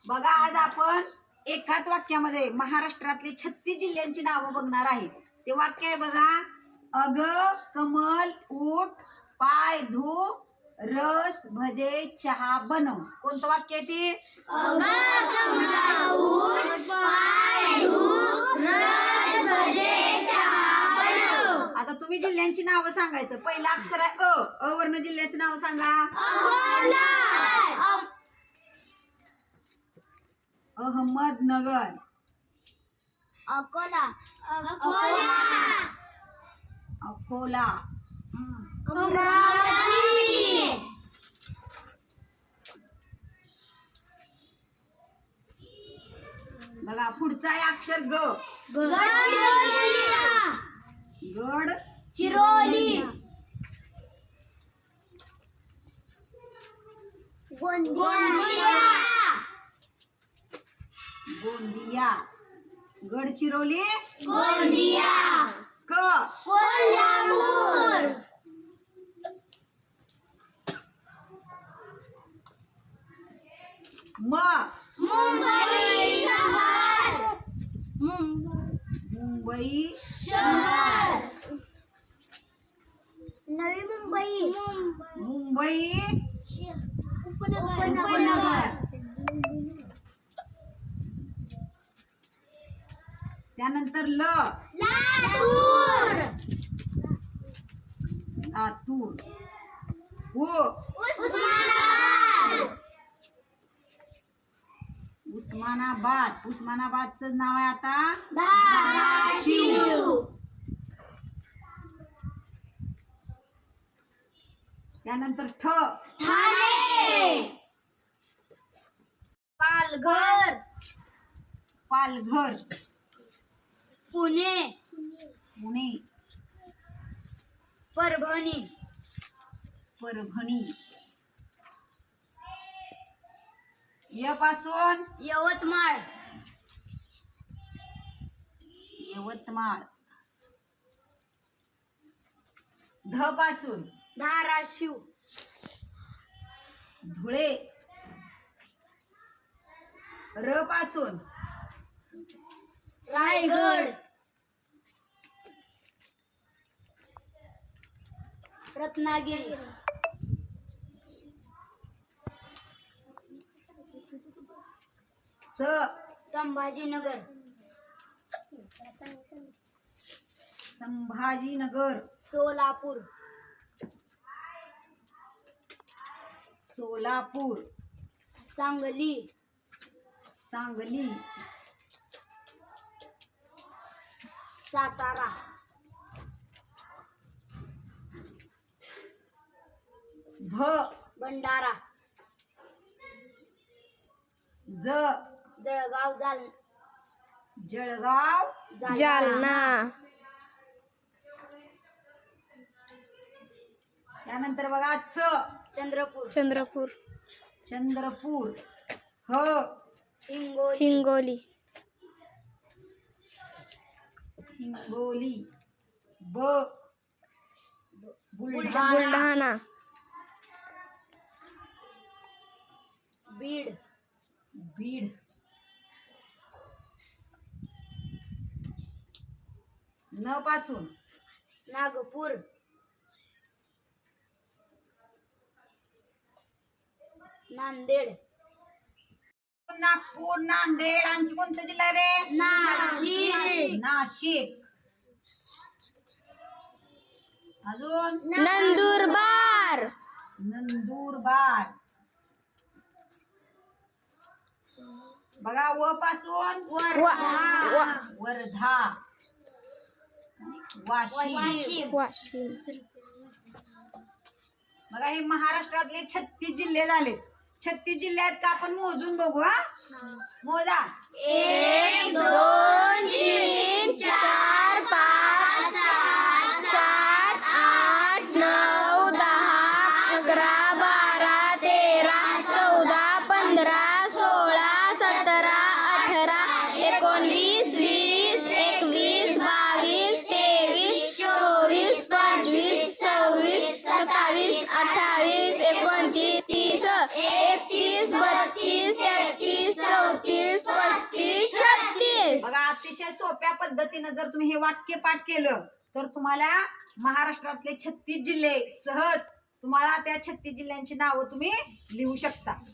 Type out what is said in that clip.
बघा आज आपण एकाच वाक्यामध्ये महाराष्ट्रातले 36 जिल्ह्यांची नावं बघणार आहे. ते वाक्य आहे बघा. अग कमल ऊठ पाय धु रस भजे चहा बनव. कोणतं वाक्य आहे ते? अग कमल ऊठ पाय धु रस भजे चहा बनव. आता तुम्ही जिल्ह्यांची नावं सांगायचं. पहिलं अक्षर आहे अ वर्ण जिल्ह्याचं नाव सांगा. अहमदनगर, अकोला, अकोला, अमरावती, बघा पुढचा आहे अक्षर ग. गडचिरोली, गोंदिया, गोंदिया, गडचिरोली, गोंदिया, क कोल्हापूर, म मुंबई शहर, मुंबई शहर, नवी मुंबई, मुंबई उपनगर, त्यानंतर ल लातूर, लातूर, हो उस्मानाबाद, उस्मानाबाद. उस्मानाबादचं नाव आहे आता धाराशिव, त्यानंतर ठ ठाणे, पालघर, पालघर, पुणे, पुणे, परभणी, परभणी, य पासून यवतमाळ, यवतमाळ, ध पासून धाराशिव, धुळे, र पासून रायगड, रत्नागिरी, स संभाजीनगर, संभाजीनगर, सोलापूर, सोलापूर, सांगली, सांगली, सातारा, भ भंडारा, ज जळगाव, जळगाव, जालना, त्यानंतर बघा च चंद्रपूर, चंद्रपूर, ह हिंगोली, हिंगोली, ब बुलढाणा, बीड, बीड, न पासून नागपूर, नांदेड, नागपूर, नांदेड. आणखी कोणता जिल्हा रे? नाशिक, नाशिक, अजून नंदुरबार, नंदुरबार. बघा व पासून वर्धा, वाशिम. बघा हे महाराष्ट्रातले 36 जिल्हे झाले. 36 जिल्ह्यात का आपण मोजून बघू. मोजा. 1 2 3 4 5 6 7 8 9 10 11 12 13 14 15 16 17 18 19 20 21 22 23 24 25 26 27 28 29 30 31 32 33 34 अतिशय सोप्या पद्धतीनं जर तुम्ही हे वाक्य पाठ केलं तर तुम्हाला महाराष्ट्रातले 36 जिल्हे सहज तुम्हाला त्या 36 जिल्ह्यांची नावं तुम्ही लिहू शकता.